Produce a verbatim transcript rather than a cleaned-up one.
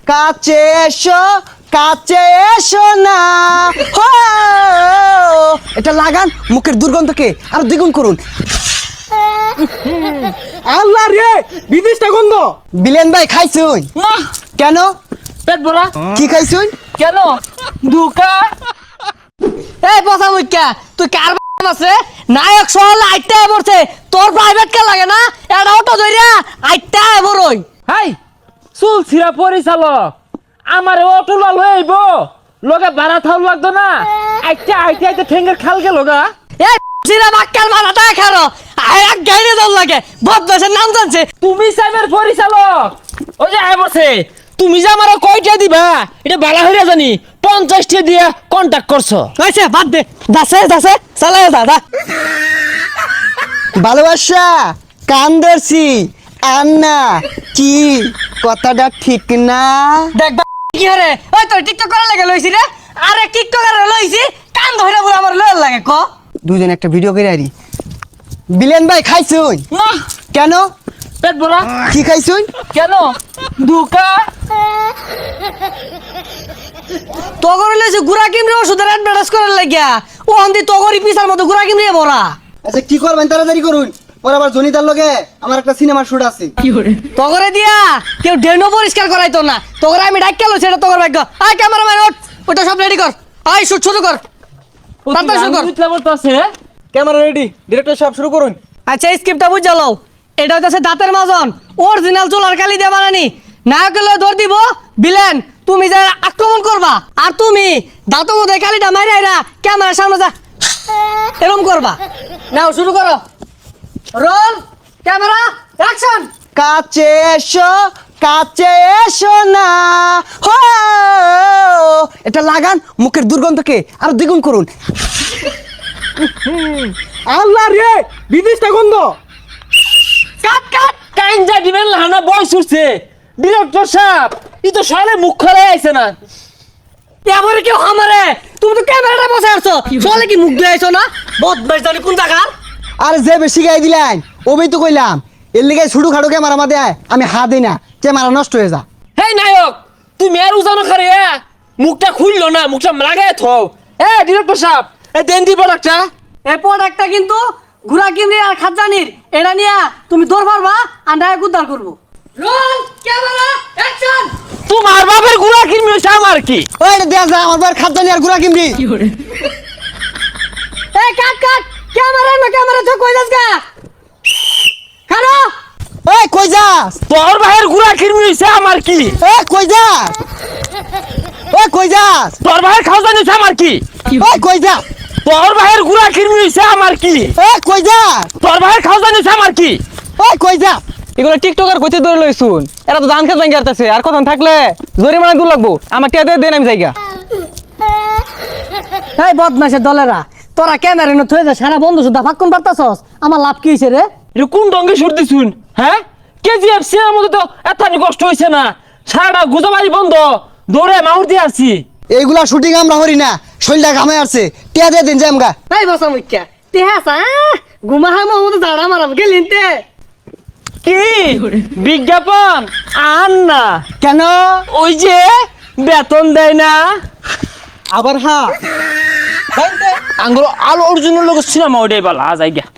কাছে এসো কাছে এসো না হো এটা লাগান মুখের দুর্গন্ধকে আর দ্বিগুণ করুন। আল্লাহ রে বিদেশটা গন্ধ। বিলেন ভাই খাইছুন? না কেন? পেট ভরা। কি খাইছুন? কেন? দুকা। এই পচা মুখ্যা তুই কার আছে নায়ক সহলে আইটা পড়ছে তোর প্রাইভেট কে লাগে না এটা অটো ধইরা আইটা বড়ই। হাই চুল ছিড়া পরিচালক আমার অটো লাল হয়ে আইব লগে ভাড়া থাও লাগতো না আইটা আইতে আইতে ঠেঙ্গের খাল গেল গা। এই সিরা বাক্কার মাথাটা খারো আই এক গাইরে দল লাগে বদমাশের নাম জানছে। তুমি সাইবার পরিচালক ওই যে আয় বসে তুমি যে আমার কয়টা দিবা এটা বালা হইরা জানি পঞ্চাশটা দিয়ে কন্টাক্ট করছো। হইছে বাদ দে দাসে দাসে চালায় দাদা ভালোবাসা কান ধরছি আন্না কি কথাটা ঠিক না? দেখ বা কি হরে ওই তোর টিকটক করা লাগে লইছি রে আরে টিকটক করে লইছি কান ধইরা পুরো আমার লয় লাগে ক দুজন একটা ভিডিও করে আরি। বিলেন ভাই খাইছুন? না কেন? পেট ভরা। কি খাইছুন? কেন? দুকা। তগর লইছে গুড়া কিমরে ওষুধের অ্যাডভার্টাইজ করার লাগিয়া ও হন্দি তগরি পিসার মতো গুড়া কিমরে ভরা। আচ্ছা কি করবেন তাড়াতাড়ি করুন, পরে আবার জনিতার লগে আমার একটা সিনেমার শুট আছে। তগরে দিয়া কেউ ডেনো পরিষ্কার করাইতো না তগরে আমি ডাক কেলো সেটা তগর ভাগ্য। আয় ক্যামেরাম্যান ওঠ ওটা সব রেডি কর আয় শুট শুরু কর তাড়াতাড়ি শুরু কর। ক্যামেরা রেডি ডিরেক্টর সাহেব শুরু করুন। আচ্ছা এই স্ক্রিপ্টটা বুঝ জ্বালাও এটা হচ্ছে দাঁতের মাজন অরিজিনাল চুলার কালি দিয়ে বানানি নায়কের লয়ে ধর দিব বিলেন তুমি যা আক্রমণ করবা আর তুমি দাঁত মধ্যে কালিটা মারি আইরা ক্যামেরার সামনে যা এরকম করবা। নাও শুরু করো রোল ক্যামেরা অ্যাকশন। কাছে এসো কাছে এসো না হো এটা লাগান মুখের দুর্গন্ধকে আর দ্বিগুণ করুন। আল্লাহ রে বিদেশটা গন্ধ। কাট কাট কাইঞ্জা দিবেন লানা বয় সুরছে ডিরেক্টর সাহেব ই তো সালে মুখ খোলা আইছে না। এবারে কেউ আমারে তুমি তো ক্যামেরাটা বসে আছো চলে কি মুখ দিয়ে আইছো না বদমাইশ জানি কোন জায়গার। আর যে বেশি গাই দিলেন ওবেই তো কইলাম এর লিগে ছুটু খাড়ু ক্যামেরা মাদে আমি হাত দিই না ক্যামেরা নষ্ট হয়ে যা। হেই নায়ক তুমি আর উজানো করে মুখটা খুললো না মুখটা লাগাই থও। এ ডিরেক্টর সাহেব এ দেন দি প্রোডাক্টটা। এই প্রোডাক্টটা কিন্তু ঘুরা কিমরি আর খাজানির এটা নিয়া তুমি দৌড় পারবা আর নায়ক উদ্ধার করবো। Roll camera action. তোমার বাপের গুড়া কিনবি আমার কি? ওই দেয়া যা আমার বার খাদ্দানি আর গুড়া কিমরি। এই কাট কাট ক্যামেরা না ক্যামেরা তো কই যাস গা খানো। ওই কই যাস? তোর ভাইয়ের গুড়া কিনবি আমার কি? এ কই যাস? ওই কই যাস? তোর ভাইয়ের খাওয়া নিছে আমার কি? ওই কই যাস? তোর ভাইয়ের গুড়া কিনবি আমার কি? এ কই যাস? তোর ভাইয়ের খাওয়া নিছে আমার কি? ওই কই যাস? এগুলো টিকটকার কইতে ধরে লইছুন এরা তো ধান খেত ভাঙ্গি আসতেছে আর কখন থাকলে জরিমানা দূর লাগবো আমার টিয়া দিয়ে দেন আমি জায়গা। এই বদমাশের দলেরা তোরা ক্যামেরা না থয়ে যা সারা বন্ধু সুদ্ধা ফাক্কুন পারতাছস আমার লাভ কি হইছে রে? এটা কোন ডঙ্গে সরতে শুন হ্যাঁ কেজিএফ সিনেমার মধ্যে তো এত কষ্ট হইছে না সারাটা গুজবাজি বন্ধ দৌড়ে মাউর দিয়ে আসছি। এইগুলা শুটিং আমরা হরি না শৈলটা ঘামে আসছে টিয়া দিয়ে দিন জামগা। এই বসা মুখ্যা তে হাসা ঘুমা হা মোহাম্মদ জাড়া মারাম গেলিন তে কি বিজ্ঞাপন আন না কেন? ওই যে বেতন দেয় না আবার হ্যাঁ আঙ্গুলো আলো অর্জুনের লোক সিনেমা ওটাই বলা জায়গা।